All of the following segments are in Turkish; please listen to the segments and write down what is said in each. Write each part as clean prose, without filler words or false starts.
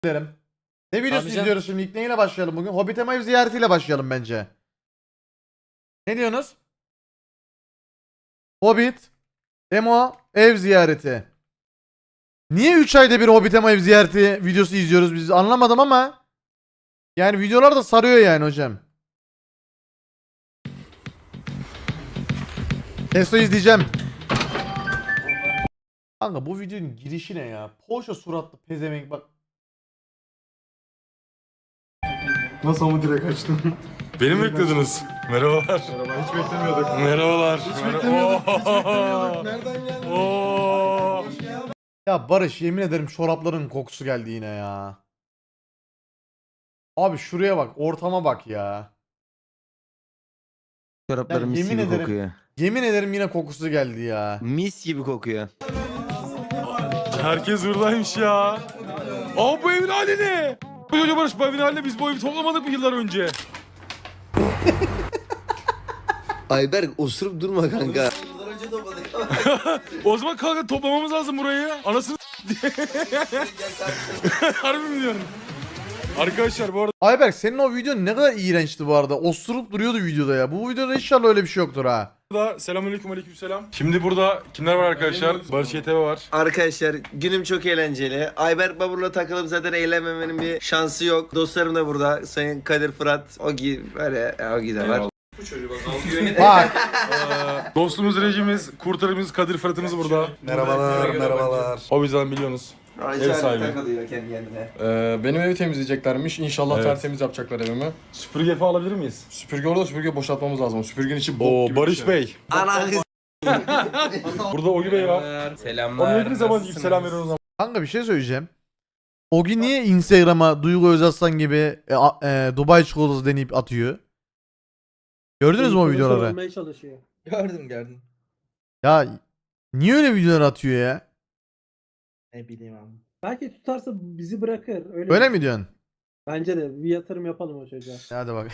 derim. Ne videosu Abi can- izliyoruz şimdi? İlk neyle başlayalım bugün? Hobbit ev ziyaretiyle başlayalım bence. Ne diyorsunuz? Hobbit Emo ev ziyareti. Niye 3 ayda bir Hobbit ev ziyareti videosu izliyoruz biz anlamadım ama yani videolar da sarıyor yani hocam. Testo izleyeceğim. Kanka bu videonun girişi ne ya? Poşa suratlı pezevenk bak. Nasıl ama direkt açtım. Beni mi beklediniz? Merhabalar. Merhaba, hiç beklemiyorduk. Merhabalar. Hiç beklemiyorduk, hiç beklemiyorduk. Nereden geldi? Oo. Ya Barış yemin ederim çorapların kokusu geldi yine ya. Abi şuraya bak, ortama bak ya. Çoraplarım mis yemin gibi ederim- kokuyor. Yemin ederim yine kokusu geldi ya. Mis gibi kokuyor. Herkes buradaymış ya. Aa bu evin hali ne? Hoca Barış bu evin haline biz bu evi toplamadık mı yıllar önce? Ayberk osurup durma kanka. O zaman kanka toplamamız lazım burayı. Anasını Harbi mi diyorsun? Arkadaşlar bu arada Ayberk senin o videon ne kadar iğrençti bu arada. Osurup duruyordu videoda ya. Bu videoda inşallah öyle bir şey yoktur ha. selamünaleyküm aleykümselam. Şimdi burada kimler var arkadaşlar? Barış YTV var. Arkadaşlar günüm çok eğlenceli. Ayberk Babur'la takılıp zaten eğlenmemenin bir şansı yok. Dostlarım da burada. Sayın Kadir Fırat, Ogi, böyle Ogi de var. Bak Dostumuz, rejimiz, kurtarımız, Kadir Fırat'ımız burada. Merhabalar, merhabalar. O yüzden biliyorsunuz. Ev sahibi. takılıyor kendi kendine. Benim evi temizleyeceklermiş. İnşallah Evet. tertemiz yapacaklar evimi. Süpürge falan alabilir miyiz? Süpürge orada, süpürge boşaltmamız lazım. Süpürgenin içi bok Oo gibi bir Barış şey. Bey. Ana kız. Burada Ogi Bey var. Selamlar. Onun ne zaman ilk selam veriyoruz ama. kanka bir şey söyleyeceğim. Ogi niye Instagram'a Duygu Özaslan gibi Dubai çikolatası deneyip atıyor? Gördünüz mü o videoları? Olmaya çalışıyor. Gördüm. Ya niye öyle videolar atıyor ya? Ne bileyim abi. Belki tutarsa bizi bırakır. Öyle, Öyle mi diyorsun? Bence de bir yatırım yapalım o çocuğa. Hadi bak.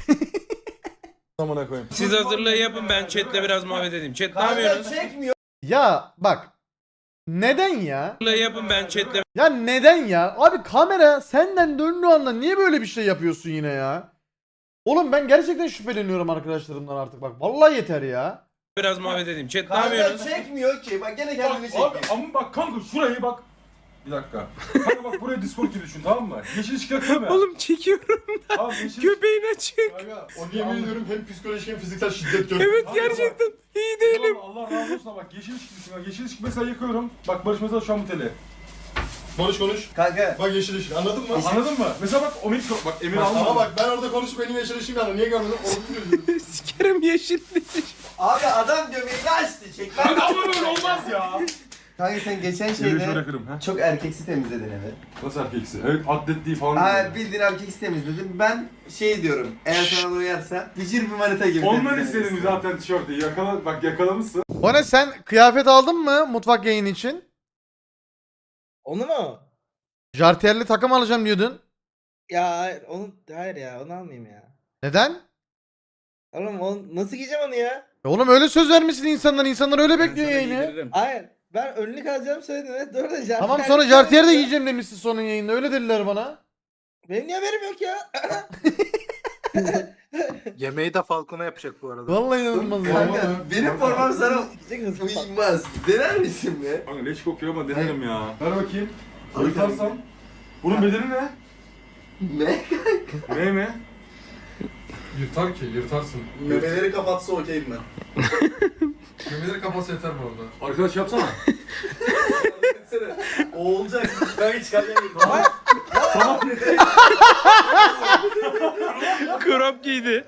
Amına koyayım. Siz hazırlığı yapın, ben chatle biraz muhabbet edeyim. Chat ne yapıyorsunuz? Ya bak. Neden ya? Hazırlığı yapın, ben chatle Ya neden ya? Abi kamera senden döndüğü anda niye böyle bir şey yapıyorsun yine ya? Oğlum ben gerçekten şüpheleniyorum arkadaşlarımdan artık bak. Vallahi yeter ya. biraz muhabbet edeyim. Chat ne yapıyorsunuz? çekmiyor ki. Bak gene kendini Abi ama bak kanka şurayı bak. Bir dakika. Kanka bak buraya Discord gibi düşün tamam mı? Yeşil ışık yakıyor mu? Oğlum çekiyorum. Abi yeşil Köpeğin açık. Onu yemin ediyorum hem psikolojik hem fiziksel şiddet gördüm. Evet gerçekten iyi değilim. Allah razı olsun bak yeşil ışık düşün. Bak yeşil ışık mesela yakıyorum. Bak Barış mesela şu an bu tele. Barış konuş. Kanka. Bak yeşil ışık anladın mı? Anladın mı? Mesela bak o mikro bak Emir Ama alma. bak ben orada konuşup benim yeşil ışığım yandı. Niye görmedin? Onu Sikerim yeşil. Abi adam göbeğini açtı. Çek Kanka ama böyle olmaz ya. Kanka sen geçen Şöyle şöyle şeyde kırım ha. çok erkeksi temizledin evi. Nasıl erkeksi? Evet atletliği falan. Ha bildiğin erkeksi temizledin. Ben şey diyorum. Eğer sana da uyarsa bicir bir manita gibi. Ondan temizlemelisin. istedim zaten tişörtü. Bak yakalamışsın. O ne sen kıyafet aldın mı mutfak yayını için? Onu mu? Jartiyerli takım alacağım diyordun. Ya hayır ya onu almayayım ya. Neden? Oğlum nasıl giyeceğim onu ya? Oğlum öyle söz vermişsin insanlar öyle bekliyor yayını. Hayır ben önlük alacağım söyledim evet doğru da jartiyer. Tamam sonra jartiyer de giyeceğim demişsin sonun yayında öyle dediler bana. Benim niye haberim yok ya? Yemeği de Falcon'a yapacak bu arada. Vallahi inanılmaz ya. Kanka benim formam sana Sikecek hızlı falan. uymaz. Dener misin be? Kanka leş kokuyor ama denerim ya. Ver bakayım. Al Yırtarsam. Bunun bedeli ne? Ne? Ne mi? Yırtar ki yırtarsın. Memeleri kapatsa okeyim ben. Memeleri kapatsa yeter bu arada. Arkadaş yapsana. O olacak. Ben hiç kalmayayım. Krop giydi.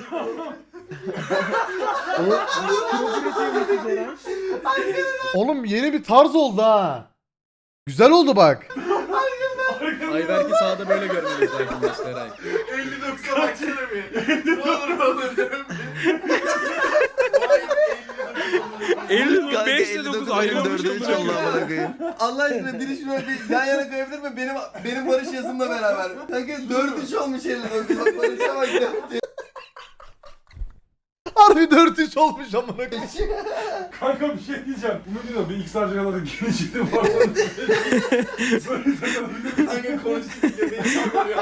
Oğlum yeni bir tarz oldu ha. Güzel oldu bak. Ayberk'i sağda böyle görmeliyiz arkadaşlar. 59'a baksana bir. Ne olur. 5 ile 9 ayrılmış. Allah aşkına biri şuna bir yan yana koyabilir mi? Benim Barış yazımla beraber. Kanka 4-3 olmuş 59. Bak Barış'a bak. Harbi 4 müthiş olmuş amına koyayım. Kanka bir şey diyeceğim. Bu diyor bir X harcamaları gelişti var. Kanka konuştuk ya beni sallıyor.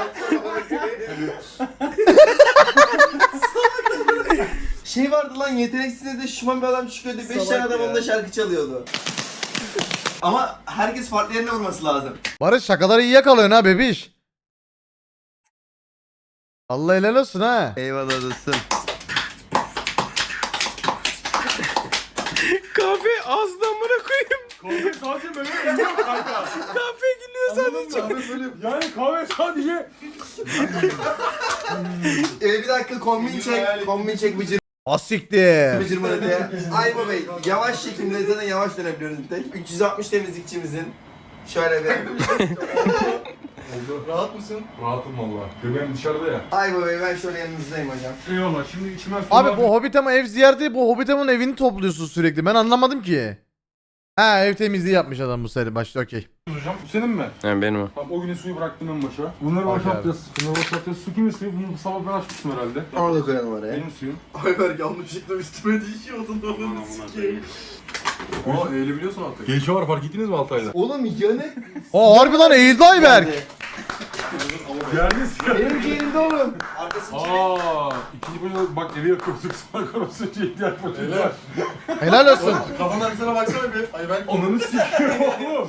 Şey vardı lan yeteneksizde de şişman bir adam çıkıyordu. 5 tane adam onunla şarkı çalıyordu. Ama herkes farklı yerine vurması lazım. Barış şakaları iyi yakalıyorsun ha bebiş. Allah helal olsun ha. Eyvallah dostum. Kahve ağzına amına koyayım. Kahve sadece böyle gülüyor kanka. Kahve gülüyor sadece. Yani kahve sadece... Bir dakika kombin çek. Kombin çek bıcır Asiktir. bıcır mırıtıya. Ayba Bey yavaş çekimde zaten yavaş dönebiliyoruz bir tek. 360 temizlikçimizin. Şöyle bir. Rahat mısın? Rahatım valla. Göbeğim dışarıda ya. Ayba Bey ben şöyle yanınızdayım hocam. Eyvallah şimdi içime su Abi var. bu Hobbitama ev ziyareti, bu Hobbitama'nın evini topluyorsun sürekli. Ben anlamadım ki. Ha, ev temizliği yapmış adam bu seri başta, okey. Hocam bu senin mi? Yani benim o. Tamam o günün suyu bıraktım en başa. Bunları Bak boşaltacağız. Bunları boşaltacağız. Su kimin suyu? Bunu sabah ben açmıştım herhalde. Orada koyalım oraya. Benim suyum. Ayber yanlışlıkla üstüme düşüyordun onu sikeyim. Aa eğilebiliyorsun artık. Gelişme var fark ettiniz mi Altay'da? Oğlum yanık. Aa harbi lan eğildi Ayberk. Geldiniz ya. Benim ciğerimde oğlum. İkinci bölümde bak evi yakıyorduk sonra korosuyla ihtiyaç var. Helal olsun. Kafanın arkasına baksana bir. Ay ben Ananı sikiyorum oğlum.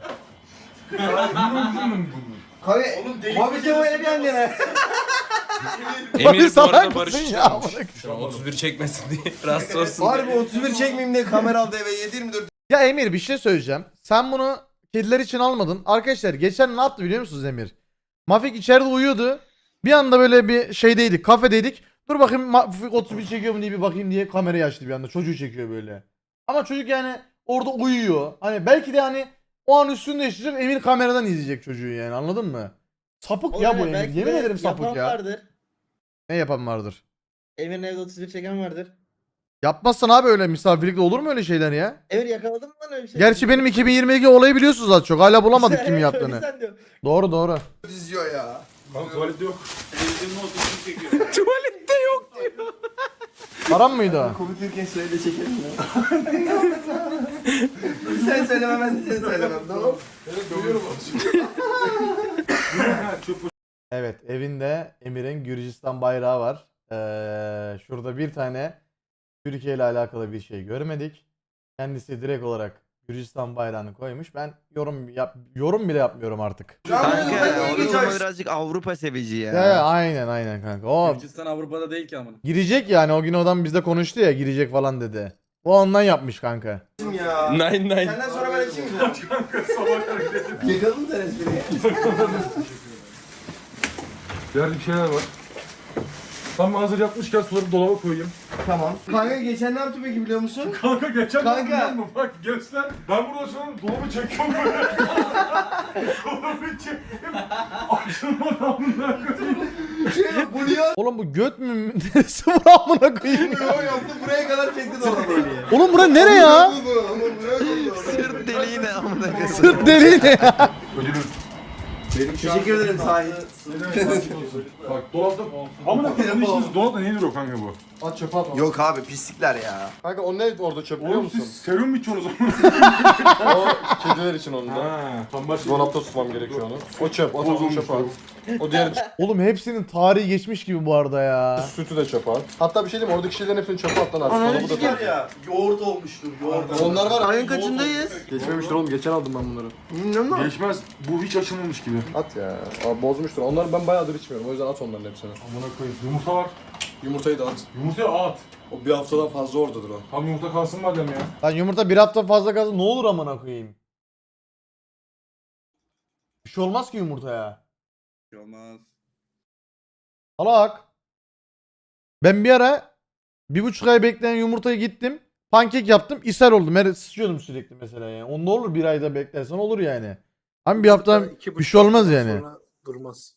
Kahve. Oğlum deli Hobbit'e böyle bir annene. Emir bu salak arada mısın Barış ya? çalmış. Şu an 31 çekmesin diye. Rahatsız olsun diye. Harbi 31 çekmeyeyim diye kamera aldı eve 7-24. Ya Emir bir şey söyleyeceğim. Sen bunu kediler için almadın. Arkadaşlar geçen ne yaptı biliyor musunuz Emir? Mafik içeride uyuyordu. Bir anda böyle bir şeydeydik, kafedeydik. Dur bakayım Mafik 31 çekiyor mu diye bir bakayım diye kamerayı açtı bir anda. Çocuğu çekiyor böyle. Ama çocuk yani orada uyuyor. Hani belki de hani o an üstünde yaşayacak, Emir kameradan izleyecek çocuğu yani, anladın mı? Sapık ya bu Emir. Yemin ederim sapık ya. Vardır. Ne yapan vardır? Emir'in evde 31 çeken vardır. Yapmazsan abi öyle misafirlikte olur mu öyle şeyler ya? Emir yakaladın mı lan öyle bir şey? Gerçi benim 2022 olayı biliyorsunuz az çok. Hala bulamadık İşte kim evet, yaptığını. öyle sen diyor. Doğru doğru. Diziyor ya. Kanka tuvalette yok. Tuvalette yok diyor. Param mıydı o? Konuşurken şöyle çekelim ya. Sen söylemem ben de seni söylemem tamam. evet görüyorum onu. Evet, evinde Emir'in Gürcistan bayrağı var. Şurada bir tane Türkiye ile alakalı bir şey görmedik. Kendisi direkt olarak Gürcistan bayrağını koymuş. Ben yorum bile yapmıyorum artık. Kanka onun zaman birazcık Avrupa sevici ya. Ya aynen kanka. O Gürcistan Avrupa'da değil ki amına. girecek yani, o gün adam bizde konuştu ya, girecek falan dedi. O ondan yapmış kanka. Ya. Nine. Senden sonra ben açayım mı? Kanka sabah kadar gidelim. Yakaladın sen espriyi. Yerde bir şeyler var. Tam hazır yapmışken suları dolaba koyayım. Tamam. Kanka geçen ne yaptı peki biliyor musun? Kanka geçen Kanka. biliyor musun? Bak göster. Ben burada şu an dolabı çekiyorum böyle. Dolabı çektim. Açılmadı amına koyayım. Bu niye Oğlum bu göt mü? Neresi bu amına koyayım? atmıyor? Yaptı buraya kadar çekti dolabı. Oğlum bura nere ya? Ama buraya koydu. Sırt deliği ne amına koyayım. Sırt deliği ne ya? Ödülüm. Teşekkür ederim sahip. Bak dolapta... Amına koyayım işiniz dolapta niye duruyor kanka bu? At çöpe at. Yok abi pislikler ya. Kanka o ne orada çöp biliyor Oğlum musun? siz serum mu içiyorsunuz amına? O kediler için onun da. Ha, tam başka... Dolapta tutmam gerekiyor onu. O çöp, o tavuğu çöpe at. O diğer Oğlum hepsinin tarihi geçmiş gibi bu arada ya. sütü de çöpe at. Hatta bir şey diyeyim mi? Oradaki şeylerin hepsini çöpe at lan artık. Dolabı da var tut. ya. Yoğurt olmuştur yoğurt. Onlar var. Ayın kaçındayız? Geçmemiştir oğlum. Geçen aldım ben bunları. Bilmiyorum ama. Geçmez. Bu hiç açılmamış gibi. At ya. Abi bozmuştur. Onları ben bayağıdır içmiyorum. O yüzden at onların hepsini. Amına koyayım. Yumurta var. Yumurtayı da at. Yumurtaya at. O bir haftadan fazla oradadır o. Tam yumurta kalsın madem ya. Lan yumurta bir hafta fazla kalsın ne olur amına koyayım. Bir şey olmaz ki yumurtaya. Olmaz. Salak. Ben bir ara 1,5 ay bekleyen yumurtayı gittim. Pankek yaptım. İshal oldum. Her sıçıyordum sürekli mesela yani. Onda olur, bir ayda beklersen olur yani. Ama bir hafta bir şey olmaz yani. Durmaz.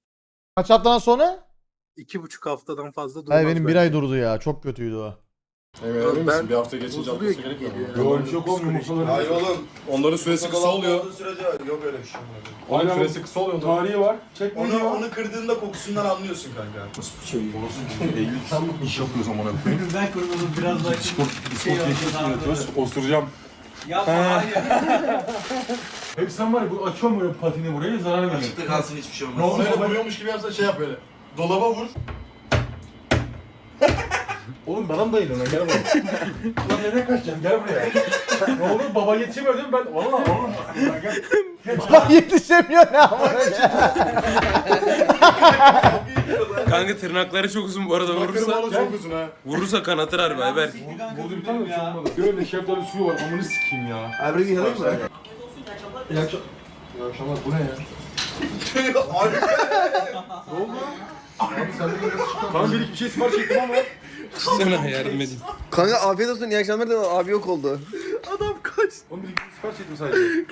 Kaç haftadan sonra? 2,5 haftadan fazla durmaz. Hayır benim bir ay durdu ya. Çok kötüydü o. Evet, emin misin? Bir hafta geçince atması gerekmiyor mu? Yok çok oğlum yumurtaları. Hayır oğlum. Onların süresi kısa oluyor. Sürece yok öyle bir şey. Onun Aynen. süresi kısa oluyor. onların. Tarihi var. Çekme diyor. Onu kırdığında kokusundan anlıyorsun kanka. Nasıl bir şey? Orası Eylül sen iş yapıyorsun bana. Ben kurulum biraz daha Osuracağım. Yapma hayır. Hep sen var ya bu açıyorum böyle patini buraya zarar veriyor. Açıkta kalsın hiçbir şey Ne olmaz. oldu? Böyle vuruyormuş gibi yapsan şey yap böyle. Dolaba vur. Oğlum bana mı dayın ona gel buraya. Lan nereye kaçacaksın gel buraya. Ne olur baba yetişemiyor değil mi ben? Valla oğlum. Gel. Bak yetişemiyor ne ama. Kanka tırnakları çok uzun bu arada vurursa. Çok uzun ha. Vurursa kanatır harbi Ayberk. Burada bir tane bir şey olmadı. Böyle şeftali suyu var amını sikeyim ya. Abi bir yanayım mı? İyi akşamlar. Bu ne ya? Kanka bir iki bir şey sipariş ettim ama. Sana yardım edeyim. Kanka afiyet olsun iyi akşamlar da abi yok oldu. Oğlum bir iki sipariş ettim sadece.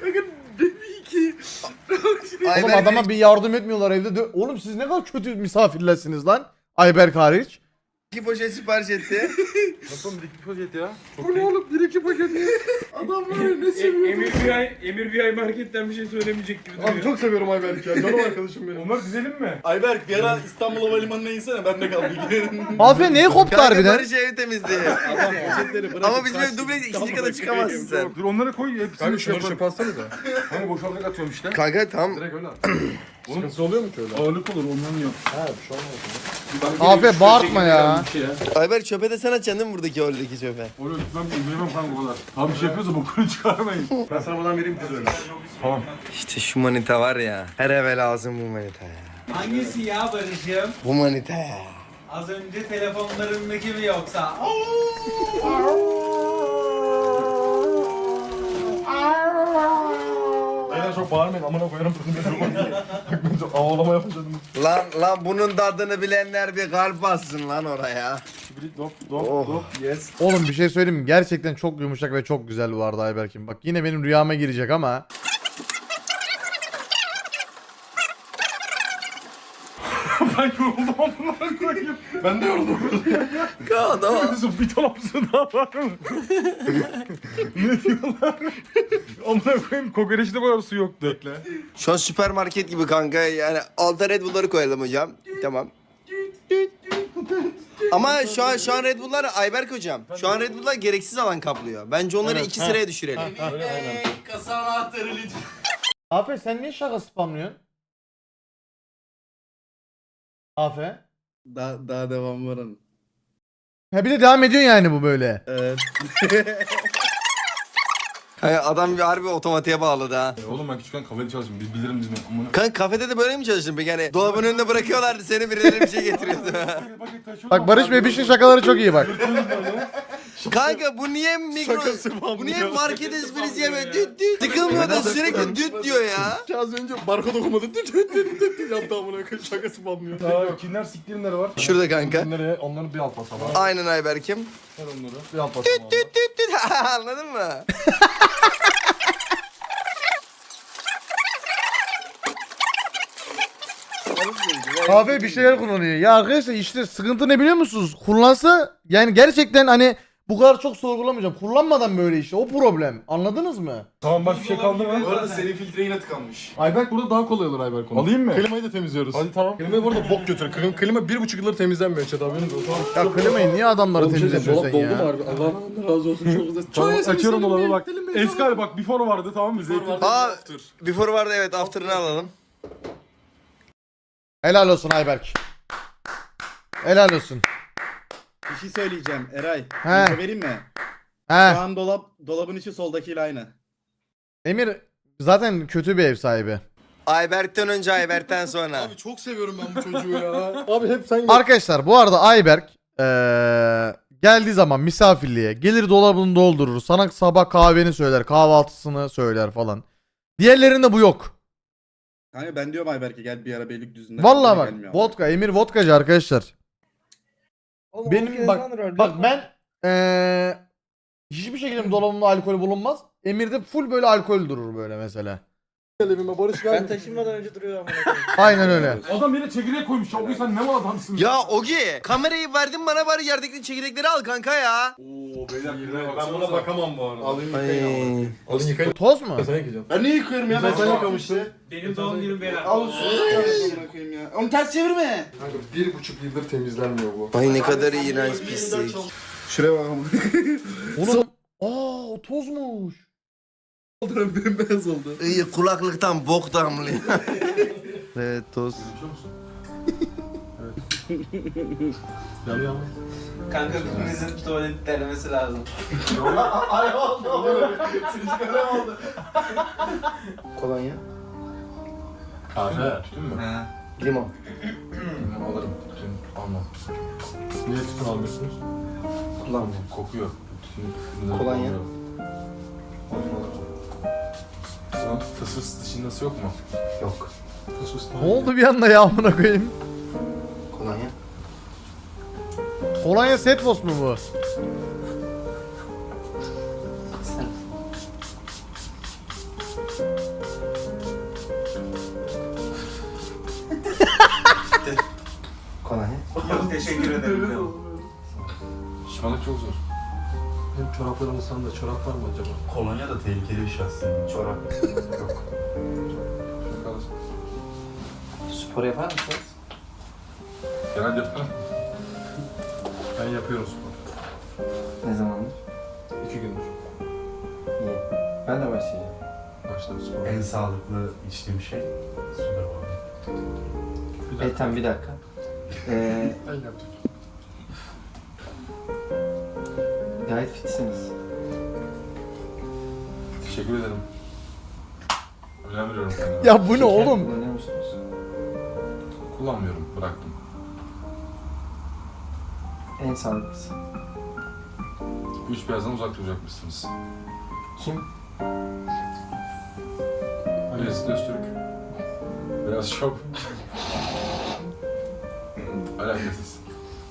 Oğlum adama bir yardım etmiyorlar evde. Oğlum siz ne kadar kötü misafirlersiniz lan. Ayberk hariç. 2 poşet sipariş etti. Nasıl bir iki poşet ya? Bu ne oğlum? Bir iki paket ya. Adam var ya ne seviyor. Emir bir ay marketten bir şey söylemeyecek gibi Abi çok seviyorum Ayberk ya. Canım arkadaşım benim. Onlar dizelim mi? Ayberk bir ara İstanbul Havalimanı'na insene ben de kal bir gün. Mafya neye koptu Kanka harbiden? Barış ev temizliği. Ama bizim ev dubleks ikinci kata çıkamazsın sen. Dur onları koy hepsini Kanka şey şunları yaparım. çöpe atsana da. Hani boşaltarak atıyorum işte. Kanka tamam. Direkt öyle at. Sıkıntısı oluyor mu ki öyle? Ağırlık olur ondan yok. Ha bir şey olmaz. Afiyet bağırtma ya. Ayberk çöpe de sen atacaksın değil mi buradaki oradaki çöpe? Oraya gitmem bilemem kanka o kadar. Abi bir şey yapıyorsa bokunu çıkarmayın. Ben sana buradan vereyim kız öyle. Tamam. İşte şu manita var ya. Her eve lazım bu manita ya. Hangisi ya Barış'ım? Bu manita ya. Az önce telefonlarındaki mi yoksa? Aynen çok bağırmayın amına koyarım. Bak ben çok ağlama yapacağım. Lan bunun tadını bilenler bir kalp bassın lan oraya. Dop Oh. yes. Oğlum bir şey söyleyeyim mi? Gerçekten çok yumuşak ve çok güzel bu arada Ayberk'im. Bak yine benim rüyama girecek ama. Ben yoruldum amına koyayım. Ben de yoruldum. Adam. Bir dolapsın daha var mı? Ne diyorlar? Amına koyayım kokoreçte kadar su yoktu. Bekle. Şu an süpermarket gibi kanka yani alta Red Bull'ları koyalım hocam. Tamam. Ama şu an Red Bull'lar Ayberk hocam. Şu an Red Bull'lar gereksiz alan kaplıyor. Bence onları 2 sıraya düşürelim. Kasa anahtarı lütfen. Afe sen niye şaka spamlıyorsun? Afe. Daha devam var onun. Ha bir de devam ediyor yani bu böyle. Evet. Kanka adam bir harbi otomatiğe bağladı ha. Oğlum ben küçükken kafede çalıştım. Biz bilirim bizim. Amına. Kanka kafede de böyle mi çalıştın peki? Yani dolabın önünde bırakıyorlardı seni birileri bir şey getiriyordu. Bak Barış Bey bir şey şakaları çok iyi bak. Kanka bu niye bu niye market esprisi yeme düt düt. Sıkılmıyor da sürekli düt diyor ya. Az önce barkod okumadı. Yaptı amına koyayım şakası banmıyor. Aa, kimler siktirimleri var? Şurada kanka. Nereye? Onları bir alt basalım. Aynen Ayberk'im. Ver onları. Bir alt basalım. Düt düt düt düt. Anladın mı? Afe bir şeyler kullanıyor. Ya arkadaşlar işte sıkıntı ne biliyor musunuz? Kullansa yani gerçekten hani bu kadar çok sorgulamayacağım. Kullanmadan böyle işte o problem. Anladınız mı? Tamam başka bir şey kaldı mı? Bu arada senin filtre yine tıkanmış. Ayberk burada daha kolay olur Ayberk onu. Alayım mı? Klimayı da temizliyoruz. Hadi tamam. Klimayı burada bok götür. Klima 1,5 yıldır temizlenmiyor Çet haberiniz olsun. Ya klimayı niye adamları temizletiyorsun sen ya? harbi? Allah razı olsun çok güzel. Tamam açıyorum dolabı bak. Eski hali bak before vardı tamam mı? Zeytin. Aa before vardı evet after'ını alalım. Helal olsun Ayberk. Helal olsun. Bir şey söyleyeceğim Eray. He. Info vereyim mi? Şu He. an dolabın içi soldakiyle aynı. Emir zaten kötü bir ev sahibi. Ayberk'ten önce Ayberk'ten sonra. Abi çok seviyorum ben bu çocuğu ya. Abi hep sen Arkadaşlar bu arada Ayberk geldiği zaman misafirliğe gelir dolabını doldurur. Sana sabah kahveni söyler, kahvaltısını söyler falan. Diğerlerinde bu yok. Kanka ben diyorum Ayberk'e gel bir ara Beylikdüzü'nde. Vallahi bak Gelmiyor. vodka Emir vodkacı arkadaşlar. Benim bak ben hiçbir şekilde dolabımda alkol bulunmaz. Emir'de full böyle alkol durur böyle mesela. evime Barış geldi. taşınmadan önce duruyor ama. Aynen öyle. Adam yine çekirdek koymuş. Ogi sen ne mal adamsın? Ya Ogi kamerayı verdin bana bari yerdeki çekirdekleri al kanka ya. Oo beyler Ben buna bakamam bu arada. Alayım Ay. yıkayın. Alın yıkayın. Toz mu? Sen yıkayacaksın. Ben niye yıkıyorum ya? Ben Ben sen sana yıkamıştın. Benim doğum günüm beyler. Al su yıkayım ya. Onu ters çevirme. Kanka 1,5 yıldır temizlenmiyor bu. Ay ne kadar iğrenç pislik. Şuraya bak ama. Oğlum. Aa o tozmuş. Bembeyaz oldu. İyi kulaklıktan bok damlıyor. Evet toz. Yanıyor ama. Kanka birimizin tuvalet denemesi lazım. Ay oldu. Sigara oldu. Kolonya. Kahve. Tütün mü? Limon. Alırım. Tütün almam. Niye tütün almıyorsunuz? Kullanmıyorum. Kokuyor. Tütün. Kolonya. Lan fıs dışındası yok mu? Yok. Fıs Ne oldu bir anda ya amına koyayım? Kolonya. Kolonya Setfos mu bu? Sen. Kolonya. Yok teşekkür ederim. Şişmanlık çok zor. Benim çoraplarımın sanda çorap var mı acaba? Kolonya da tehlikeli bir şey aslında. Çorap. Yok. Şunu kalırsın. Spor yapar mısınız? Genelde yaparım. Ben yapıyorum spor. Ne zamandır? 2 gündür. İyi. Ben de başlayacağım. Başladım spor. En sağlıklı içtiğim şey sudur bu arada. Bir dakika. Tamam bir dakika. Ben yaptım. Gayet fitsiniz. Teşekkür ederim. Önem veriyorum kendime. Ya bu ne Şeker oğlum? kullanıyor musunuz? Kullanmıyorum, bıraktım. En sağlıklısı. 3 beyazdan uzak duracakmışsınız. Kim? Birisi Öztürk. Beyaz şop. Alakasız.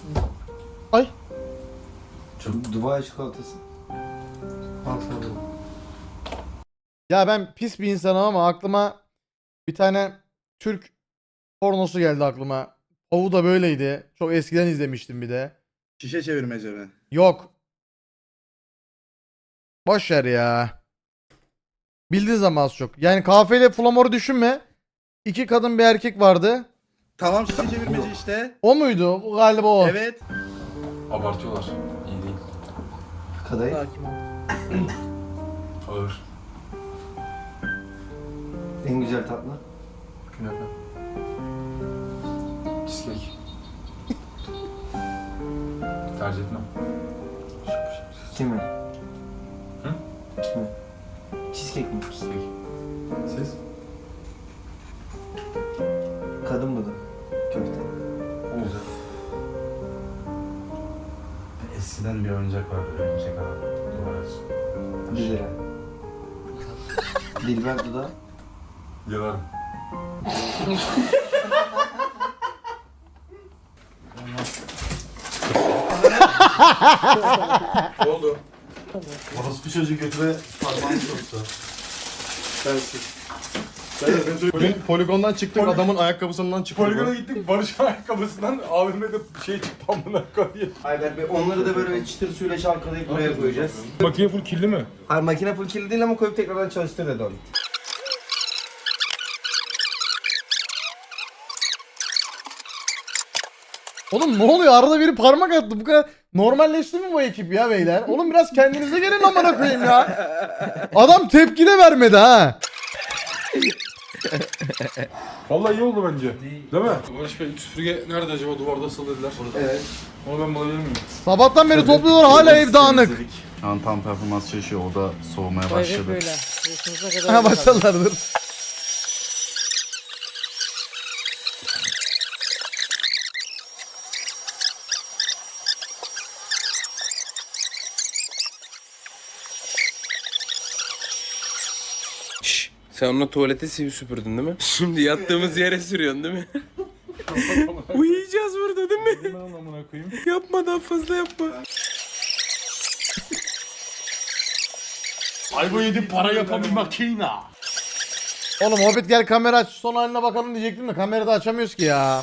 Dubai çikolatası. Al sana da. Ya ben pis bir insanım ama aklıma bir tane Türk pornosu geldi aklıma. Ovu da böyleydi. Çok eskiden izlemiştim bir de. Şişe çevirmece mi? Yok. Boş ver ya. Bildiğin zaman az çok. Yani kahveyle flamor'u düşünme. 2 kadın bir erkek vardı. Tamam şişe çevirmece işte. O muydu? O galiba o. Evet. Abartıyorlar. İyi değil. Kadayıf. Ağır. En güzel tatlı. Künefe. Cheesecake. Tercih etmem. Kimi? Hı? Kimi? Cheesecake mi? Cheesecake. Siz? Kadın budu. Köfte. Güzel. Eskiden bir oyuncak vardı. Oyuncak adam. Duvara 1 lira. Dilber dudağı. Yalarım. Ne oldu? Orospu çocuğu götüre parmağını soktu. Bugün poligondan çıktık, adamın ayakkabısından çıktık. Poligona gittik Barış'ın ayakkabısından AVM'de şey çıktı amına koyayım. Ayber Bey onları da böyle çıtır suyla çalkalayıp buraya koyacağız. Makine full kirli mi? Hayır makine full kirli değil ama koyup tekrardan çalıştır dedi onu. Oğlum ne oluyor? Arada biri parmak attı. Bu kadar normalleşti mi bu ekip ya beyler? Oğlum biraz kendinize gelin amına koyayım ya. Adam tepki de vermedi ha. Vallahi iyi oldu bence. Değil mi? Barış Bey süpürge nerede acaba? Duvarda asılı dediler. Evet. Onu ben bulabilir miyim? Sabahtan beri topluyorlar hala ev dağınık. Şu an tam performans çalışıyor. O da soğumaya başladı. Ha başladılardır. Şşş, sen onunla tuvalete süpürdün değil mi? Şimdi yattığımız yere sürüyorsun değil mi? Uyuyacağız burada değil mi? Ben onu amına koyayım. Yapma daha fazla yapma. Ay bu yedi para yapan bir makina. Oğlum Hobbit gel kamera aç son haline bakalım diyecektim de kamerada açamıyoruz ki ya.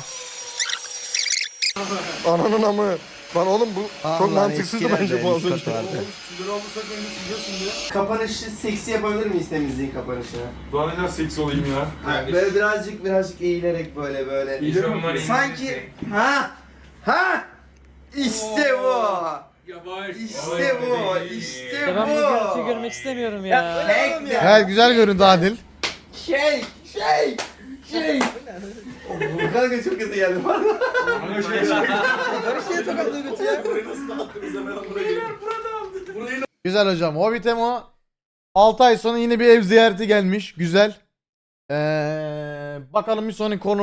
Ananın amı. Lan oğlum bu çok Allah, mantıksızdı eskilerde bence bu az üst önce. kat vardı. Sizleri alırsak önce sileceğiz şimdi. Kapanışı seksi yapabilir miyiz temizliğin kapanışını? Daha ne kadar seksi olayım ya. Böyle birazcık eğilerek böyle. Sanki ha işte bu. İşte bu. İşte Ben bu görüntüyü bu. görmek istemiyorum ya. Evet güzel göründü Adil. Şey. Kanka çok hızlı geldi bana. Güzel hocam. Hobbit Emo 6 ay sonra yine bir ev ziyareti gelmiş. Güzel. Bakalım bir sonraki konu